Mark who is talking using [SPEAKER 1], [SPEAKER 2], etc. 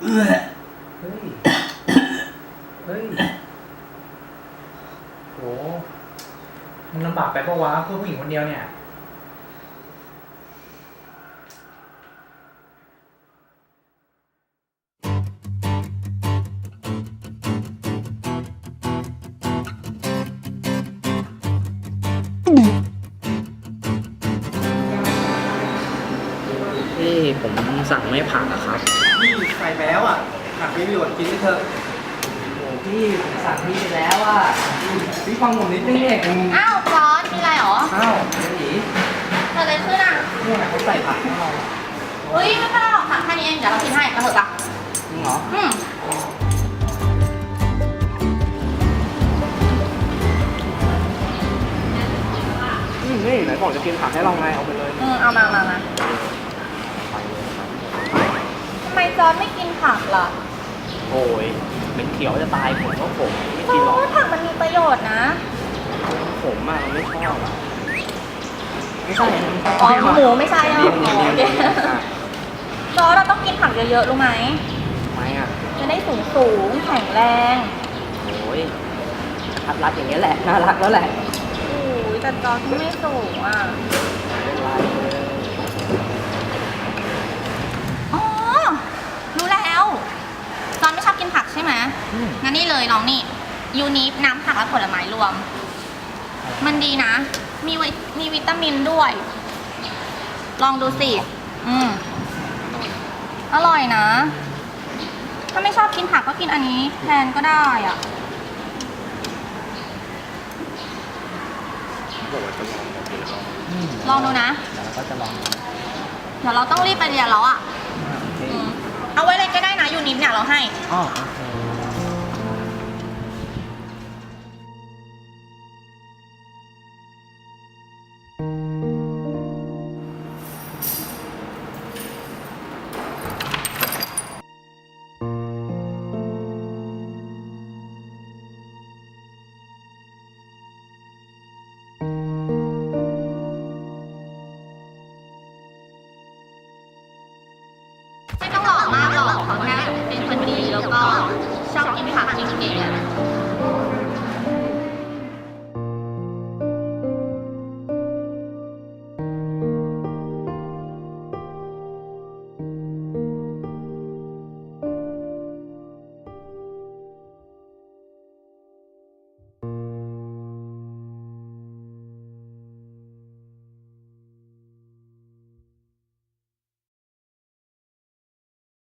[SPEAKER 1] เฮ้ยเฮ้ยโหมันลำบากไปปะวะเพื่อผู้หญิงคนเดียวเนี่ย
[SPEAKER 2] พี่ผมสั่งไม่ผักอะครับ
[SPEAKER 3] พี่ใส่ไปแล้วอ่ะผักมีประโยชน์กินไปเถอะ
[SPEAKER 2] โอ้พี่ผมสั่งพี่ไปแล้วอะพี่ฟังผมนิดนึงเอง
[SPEAKER 4] อ้าวฟอนมีอะไรหรอ
[SPEAKER 2] อ้าวหนี
[SPEAKER 4] เกิดอะไรขึ้นอ่ะ
[SPEAKER 2] เนี่ยเขาใส่ผักให้เรา
[SPEAKER 4] เฮ้ยไม่เป็นไรหรอกสั่งแค่นี้เองเดี๋ยวเรากินให้มาเถอะปะ
[SPEAKER 2] จริงเหรอนี่ไหนบอกจะกินผักให้เราไงเอาไปเลย
[SPEAKER 4] เอามาทำไมจอนไม่กินผักล่ะ
[SPEAKER 2] โอ้ยเป็นเขียวจะตายผมก็ผมไม่กินหรอก
[SPEAKER 4] ผักมันมีประโยชน์นะ
[SPEAKER 2] ผมอะไม่ชอบอะไม่ใช่
[SPEAKER 4] อ๋อหมูไม่ใช่อ่ะจอนเราต้องกินผักเยอะๆรู้ไหม
[SPEAKER 2] ไม่อะ
[SPEAKER 4] จะได้สูงแข็งแรง
[SPEAKER 2] โอ้ยทัดรัดอย่างเงี้ยแหละน่ารักแล้วแหละ
[SPEAKER 4] โอ้ยแต่จอนที่ไม่สูงอ่ะอ๋อรู้แล้วจอนไม่ชอบกินผักใช่ไหมงั้นนี่เลยลองนี่ยูนิฟน้ำผักและผลไม้รวมมันดีนะมีวิตามินด้วยลองดูสิอร่อยนะถ้าไม่ชอบกินผักก็กินอันนี้แทนก็ได้อ่ะลองดูนะ
[SPEAKER 2] แล้วก็จะลอง
[SPEAKER 4] เดี๋ยวเราต้องรีบไปเรียนแล้วอ่ะเอาไว้เลยก็ได้นะยูนิฟเนี่ยเราให้
[SPEAKER 2] อ๋อ
[SPEAKER 4] ไม่ต้องหล่อมากหรอกเขาแค่เป็นคนดีแล้วก็ชอบกินผักจริงๆ